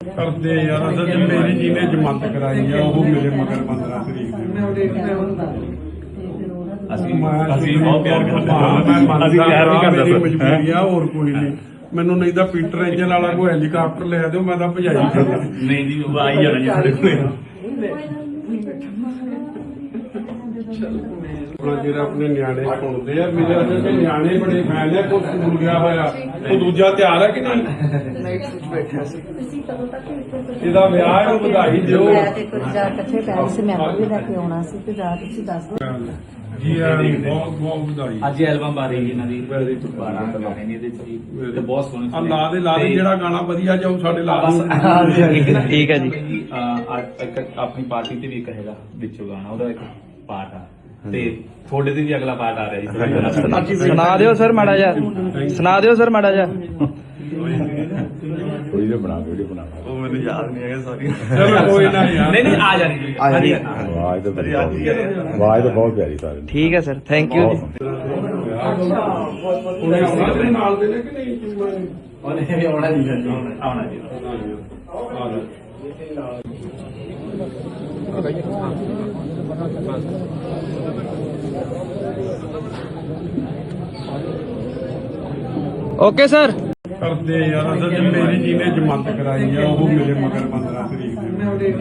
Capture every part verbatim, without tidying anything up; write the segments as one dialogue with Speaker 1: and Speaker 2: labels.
Speaker 1: ਕਰਦੇ ਯਾਰ ਅਸਲ ਚ ਮੇਰੀ ਜਿਹਨੇ ਜ਼ਮਾਨਤ ਕਰਾਈ ਆ ਉਹ ਮੇਰੇ ਮਗਰ ਪੰਦਰਾਂ ਤਰੀਕ ਦੇ
Speaker 2: ਅਸੀਂ
Speaker 1: ਮੈਂ
Speaker 2: ਅਸੀਂ ਬਹੁਤ ਪਿਆਰ ਕਰਦੇ ਹਾਂ।
Speaker 1: ਮੈਂ ਮੰਨਦਾ
Speaker 2: ਅਸੀਂ ਪਿਆਰ ਨਹੀਂ ਕਰਦੇ
Speaker 1: ਮੇਰੀ
Speaker 2: ਸਰ।
Speaker 1: ਮਜਬੂਰੀ ਆ, ਹੋਰ ਕੋਈ ਨਹੀਂ। ਮੈਨੂੰ ਨਹੀਂ ਤਾਂ ਪੀਟਰ ਇੰਜਨ ਵਾਲਾ ਕੋਈ ਹੈਲੀਕਾਪਟਰ ਲੈ ਦਿਓ, ਮੈਂ ਤਾਂ ਭਜਾਈ ਜਾਂਦਾ।
Speaker 2: ਨਹੀਂ ਜੀ ਉਹ ਆਈ ਜਾਣਾ ਜੀ ਸਾਡੇ ਕੋਲ।
Speaker 1: ਆਪਣਾ ਜਿਹੜਾ ਆਪਣੇ ਨਿਆਣੇ ਸੁਣਦੇ ਆ, ਮੇਰੇ ਅਸਲ ਚ ਨਿਆਣੇ ਬੜੇ ਫੈਨ ਆ। ਕੋਈ ਸਕੂਲ ਗਿਆ ਹੋਇਆ, ਉਹ ਦੂਜਾ ਤਿਆਰ ਹੈ ਕਿ ਨਹੀਂ?
Speaker 3: ਬੈਠਾ ਸੀ
Speaker 1: ਇਹਦਾ ਵਿਆਹ ਹੈ, ਉਹਨੂੰ ਵਧਾਈ ਦਿਓ।
Speaker 3: ਮੈਂ ਤੇ ਕੁਝ ਜਾ ਇਕੱਠੇ ਪੈਰ ਸੀ ਮੈਂ ਵੀ ਲੈ ਕੇ ਆਉਣਾ ਸੀ ਤੇ ਜਾ ਤੁਸੀਂ ਦੱਸ ਦਿਓ।
Speaker 1: ਜੀ ਆ ਬਹੁਤ ਬਹੁਤ ਵਧਾਈ।
Speaker 2: ਅੱਜ ਐਲਬਮ ਆ ਰਹੀ ਇਹਨਾਂ ਦੀ ਬਾਰਾਂ ਗਾਣੇ ਨੇ ਇਹਦੇ ਚ ਜੀ ਤੇ ਬਹੁਤ ਸੋਹਣੇ
Speaker 1: ਆ ਲਾ ਦੇ ਲਾ ਦੇ, ਜਿਹੜਾ ਗਾਣਾ ਵਧੀਆ ਜਾਊ ਸਾਡੇ ਲਾ ਦੇ।
Speaker 2: ਠੀਕ ਹੈ ਜੀ। ਅੱਜ ਇੱਕ ਆਪਣੀ ਪਾਰਟੀ ਤੇ ਵੀ ਇੱਕ ਹੈਗਾ ਵਿੱਚੋਂ ਗਾਣਾ, ਉਹਦਾ ਇੱਕ ਪਾਰਟ ਆ ਤੇ ਤੁਹਾਡੇ ਤੇ ਵੀ ਅਗਲਾ ਪਾਰਟ ਆ ਰਿਹਾ ਜੀ।
Speaker 4: ਸੁਣਾ ਦਿਓ ਸਰ ਮਾੜਾ ਜਿਹਾ, ਸੁਣਾ ਦਿਓ ਸਰ ਮਾੜਾ ਜਿਹਾ।
Speaker 5: ਵੀਡੀਓ ਬਣਾ ਵੀਡੀਓ ਬਣਾ
Speaker 2: ਉਹ ਮੈਨੂੰ ਯਾਦ ਨਹੀਂ ਹੈਗਾ ਸਾਰੀ।
Speaker 1: ਚਲੋ ਕੋਈ ਨਾ ਯਾਰ।
Speaker 2: ਨਹੀਂ ਨਹੀਂ ਆ ਜਾਣੀ ਜੀ।
Speaker 5: ਆਵਾਜ਼ ਤਾਂ ਬੜੀ ਆਵਾਜ਼ ਤਾਂ ਬਹੁਤ ਪਿਆਰੀ ਸਾਰੀ।
Speaker 4: ਠੀਕ ਹੈ ਸਰ, ਥੈਂਕ ਯੂ ਜੀ।
Speaker 1: ਉਹਨੇ ਆਉਣਾ ਤੇਰੇ ਨਾਲ ਦੇ ਨੇ ਕਿ ਨਹੀਂ?
Speaker 2: ਉਹਨੇ ਵੀ ਆਉਣਾ ਜੀ ਆਉਣਾ ਜੀ।
Speaker 4: Okay sir.
Speaker 1: ਕਰਦੇ ਯਾਰ ਅਸਲ ਚ ਮੇਰੀ ਜਿਹਨੇ ਜ਼ਮਾਨਤ ਕਰਾਈ ਆ ਉਹ ਮੇਰੇ ਮਗਰ ਪੰਦਰਾਂ ਤਰੀਕ ਦੇ।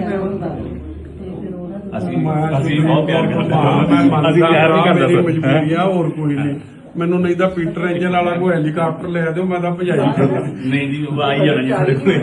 Speaker 2: ਅਸੀਂ
Speaker 1: ਮੈਂ
Speaker 2: ਅਸੀਂ ਬਹੁਤ ਪਿਆਰ ਕਰਦੇ ਹਾਂ।
Speaker 1: ਮੈਂ ਮੰਨਦਾ
Speaker 2: ਅਸੀਂ ਪਿਆਰ ਨਹੀਂ ਕਰਦੇ
Speaker 1: ਮੇਰੀ
Speaker 2: ਸਰ।
Speaker 1: ਮਜਬੂਰੀ ਆ, ਹੋਰ ਕੋਈ ਨਹੀਂ। ਮੈਨੂੰ ਨਹੀਂ ਤਾਂ ਪੀਟਰ ਇੰਜਨ ਵਾਲਾ ਕੋਈ ਹੈਲੀਕਾਪਟਰ ਲੈ ਦਿਓ, ਮੈਂ ਤਾਂ ਭਜਾਈ ਜਾਂਦਾ।
Speaker 2: ਨਹੀਂ ਜੀ ਉਹ ਆਈ ਜਾਣਾ ਜੀ ਸਾਡੇ ਕੋਲ।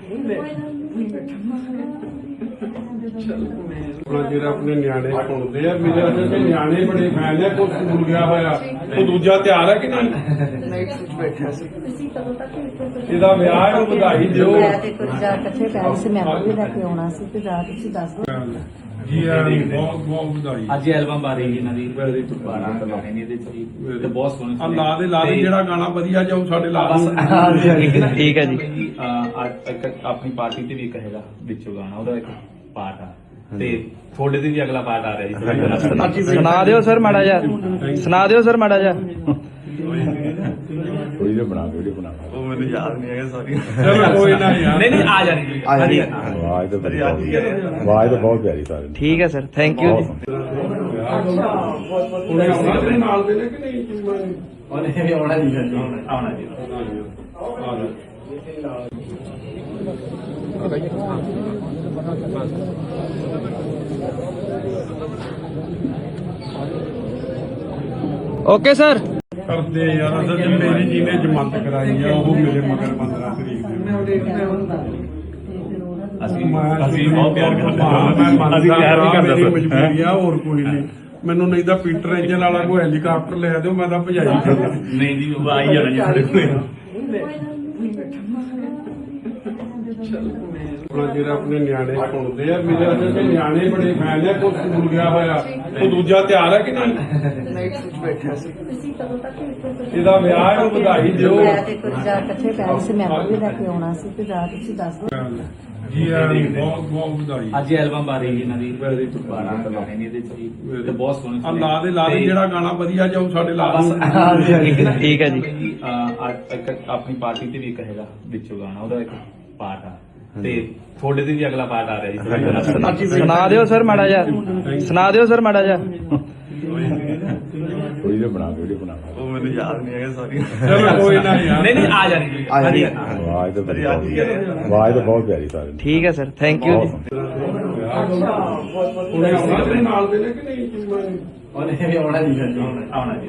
Speaker 1: ਆਪਣਾ ਜਿਹੜਾ ਆਪਣੇ ਨਿਆਣੇ ਸੁਣਦੇ ਆ, ਮੇਰੇ ਅਸਲ ਚ ਨਿਆਣੇ ਬੜੇ ਫੈਨ ਆ। ਕੋਈ ਸਕੂਲ ਗਿਆ ਹੋਇਆ, ਉਹ ਦੂਜਾ ਤਿਆਰ ਹੈ ਕਿ ਨਹੀਂ?
Speaker 3: ਬੈਠਾ ਸੀ
Speaker 1: ਇਹਦਾ ਵਿਆਹ ਹੈ, ਉਹਨੂੰ ਵਧਾਈ ਦਿਓ।
Speaker 3: ਮੈਂ ਤੇ ਕੁਝ ਜਾ ਇਕੱਠੇ ਪੈਰ ਸੀ ਮੈਂ ਵੀ ਲੈ ਕੇ ਆਉਣਾ ਸੀ ਤੇ ਜਾ ਤੁਸੀਂ ਦੱਸ ਦਿਓ।
Speaker 1: ਜੀ ਆ ਬਹੁਤ ਬਹੁਤ ਵਧਾਈ।
Speaker 2: ਅੱਜ ਐਲਬਮ ਆ ਰਹੀ ਇਹਨਾਂ ਦੀ ਬਾਰਾਂ ਗਾਣੇ ਨੇ ਇਹਦੇ ਚ ਜੀ ਤੇ ਬਹੁਤ ਸੋਹਣੇ
Speaker 1: ਆ ਲਾ ਦੇ ਲਾ ਦੇ, ਜਿਹੜਾ ਗਾਣਾ ਵਧੀਆ ਜਾਊ ਸਾਡੇ ਲਾ ਦੇ।
Speaker 4: ਠੀਕ ਹੈ ਜੀ।
Speaker 2: ਅੱਜ ਇੱਕ ਆਪਣੀ ਪਾਰਟੀ ਤੇ ਵੀ ਇੱਕ ਹੈਗਾ ਵਿੱਚੋਂ ਗਾਣਾ, ਉਹਦਾ ਇੱਕ ਪਾਰਟ ਆ ਤੇ ਤੁਹਾਡੇ ਤੇ ਵੀ ਅਗਲਾ ਪਾਰਟ ਆ ਰਿਹਾ ਜੀ।
Speaker 4: ਸੁਣਾ ਦਿਓ ਸਰ ਮਾੜਾ ਜਿਹਾ, ਸੁਣਾ ਦਿਓ ਸਰ ਮਾੜਾ ਜਿਹਾ।
Speaker 5: ਵੀਡੀਓ ਬਣਾ ਵੀਡੀਓ ਬਣਾ
Speaker 2: ਉਹ ਮੈਨੂੰ ਯਾਦ ਨਹੀਂ ਹੈਗਾ ਸਾਰੀ।
Speaker 1: ਚਲੋ ਕੋਈ ਨਾ ਯਾਰ।
Speaker 2: ਨਹੀਂ ਨਹੀਂ ਆ ਜਾਣੀ ਜੀ।
Speaker 5: ਆਵਾਜ਼ ਤਾਂ ਬੜੀ ਆਵਾਜ਼ ਤਾਂ ਬਹੁਤ ਪਿਆਰੀ ਸਾਰੀ।
Speaker 4: ਠੀਕ ਹੈ ਸਰ, ਥੈਂਕ ਯੂ ਜੀ।
Speaker 1: ਉਹਨੇ ਆਉਣਾ ਤੇਰੇ ਨਾਲ ਦੇ ਨੇ ਕਿ ਨਹੀਂ?
Speaker 2: ਉਹਨੇ ਵੀ ਆਉਣਾ ਜੀ ਆਉਣਾ ਜੀ।
Speaker 4: Okay sir.
Speaker 1: ਕਰਦੇ ਯਾਰ ਅਸਲ ਚ ਮੇਰੀ ਜਿਹਨੇ ਜ਼ਮਾਨਤ ਕਰਾਈ ਆ ਉਹ ਮੇਰੇ ਮਗਰ ਪੰਦਰਾਂ ਤਰੀਕ ਦੇ।
Speaker 2: ਅਸੀਂ
Speaker 1: ਮੈਂ
Speaker 2: ਅਸੀਂ ਬਹੁਤ ਪਿਆਰ ਕਰਦੇ ਹਾਂ।
Speaker 1: ਮੈਂ ਮੰਨਦਾ
Speaker 2: ਅਸੀਂ ਪਿਆਰ ਨਹੀਂ ਕਰਦੇ
Speaker 1: ਮੇਰੀ
Speaker 2: ਸਰ।
Speaker 1: ਮਜਬੂਰੀ ਆ, ਹੋਰ ਕੋਈ ਨਹੀਂ। ਮੈਨੂੰ ਨਹੀਂ ਤਾਂ ਪੀਟਰ ਇੰਜਨ ਵਾਲਾ ਕੋਈ ਹੈਲੀਕਾਪਟਰ ਲੈ ਦਿਓ, ਮੈਂ ਤਾਂ ਭਜਾਈ ਜਾਂਦਾ।
Speaker 2: ਨਹੀਂ ਜੀ ਉਹ ਆਈ ਜਾਣਾ ਜੀ ਸਾਡੇ ਕੋਲ।
Speaker 1: ਆਪਣਾ ਜਿਹੜਾ ਆਪਣੇ ਨਿਆਣੇ ਸੁਣਦੇ ਆ, ਮੇਰੇ ਅਸਲ ਚ ਨਿਆਣੇ ਬੜੇ ਫੈਨ ਆ। ਕੋਈ ਸਕੂਲ ਗਿਆ ਹੋਇਆ, ਉਹ ਦੂਜਾ ਤਿਆਰ ਹੈ ਕਿ ਨਹੀਂ?
Speaker 3: ਬੈਠਾ ਸੀ
Speaker 1: ਇਹਦਾ ਵਿਆਹ ਹੈ, ਉਹਨੂੰ ਵਧਾਈ ਦਿਓ।
Speaker 3: ਮੈਂ ਤੇ ਕੁਝ ਜਾ ਇਕੱਠੇ ਪੈਰ ਸੀ ਮੈਂ ਵੀ ਲੈ ਕੇ ਆਉਣਾ ਸੀ ਤੇ ਜਾ ਤੁਸੀਂ ਦੱਸ ਦਿਓ।
Speaker 1: ਜੀ ਆ ਬਹੁਤ ਬਹੁਤ ਵਧਾਈ।
Speaker 2: ਅੱਜ ਐਲਬਮ ਆ ਰਹੀ ਇਹਨਾਂ ਦੀ ਬਾਰਾਂ ਗਾਣੇ ਨੇ ਇਹਦੇ ਚ ਜੀ ਤੇ ਬਹੁਤ ਸੋਹਣੇ
Speaker 1: ਆ ਲਾ ਦੇ ਲਾ ਦੇ, ਜਿਹੜਾ ਗਾਣਾ ਵਧੀਆ ਜਾਊ ਸਾਡੇ ਲਾ ਦੇ।
Speaker 4: ਠੀਕ ਹੈ ਜੀ।
Speaker 2: ਅੱਜ ਇੱਕ ਆਪਣੀ ਪਾਰਟੀ ਤੇ ਵੀ ਇੱਕ ਹੈਗਾ ਵਿੱਚੋਂ ਗਾਣਾ, ਉਹਦਾ ਇੱਕ ਪਾਰਟ ਆ ਤੇ ਤੁਹਾਡੇ ਤੇ ਵੀ ਅਗਲਾ ਪਾਰਟ ਆ ਰਿਹਾ ਜੀ।
Speaker 4: ਸੁਣਾ ਦਿਓ ਸਰ ਮਾੜਾ ਜਿਹਾ, ਸੁਣਾ ਦਿਓ ਸਰ ਮਾੜਾ ਜਿਹਾ।
Speaker 5: ਵੀਡੀਓ ਬਣਾ ਵੀਡੀਓ ਬਣਾ
Speaker 2: ਉਹ ਮੈਨੂੰ ਯਾਦ ਨਹੀਂ ਹੈਗਾ ਸਾਰੀ।
Speaker 1: ਚਲੋ ਕੋਈ ਨਾ ਯਾਰ।
Speaker 2: ਨਹੀਂ ਨਹੀਂ ਆ ਜਾਣੀ ਜੀ।
Speaker 5: ਆਵਾਜ਼ ਤਾਂ ਬੜੀ ਆਵਾਜ਼ ਤਾਂ ਬਹੁਤ ਪਿਆਰੀ ਸਾਰੀ।
Speaker 4: ਠੀਕ ਹੈ ਸਰ, ਥੈਂਕ ਯੂ ਜੀ।
Speaker 1: ਉਹਨੇ ਆਉਣਾ ਤੇਰੇ ਨਾਲ ਦੇ ਨੇ ਕਿ ਨਹੀਂ?
Speaker 2: ਉਹਨੇ ਵੀ ਆਉਣਾ ਜੀ ਆਉਣਾ ਜੀ।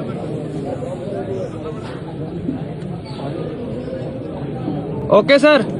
Speaker 4: Okay sir.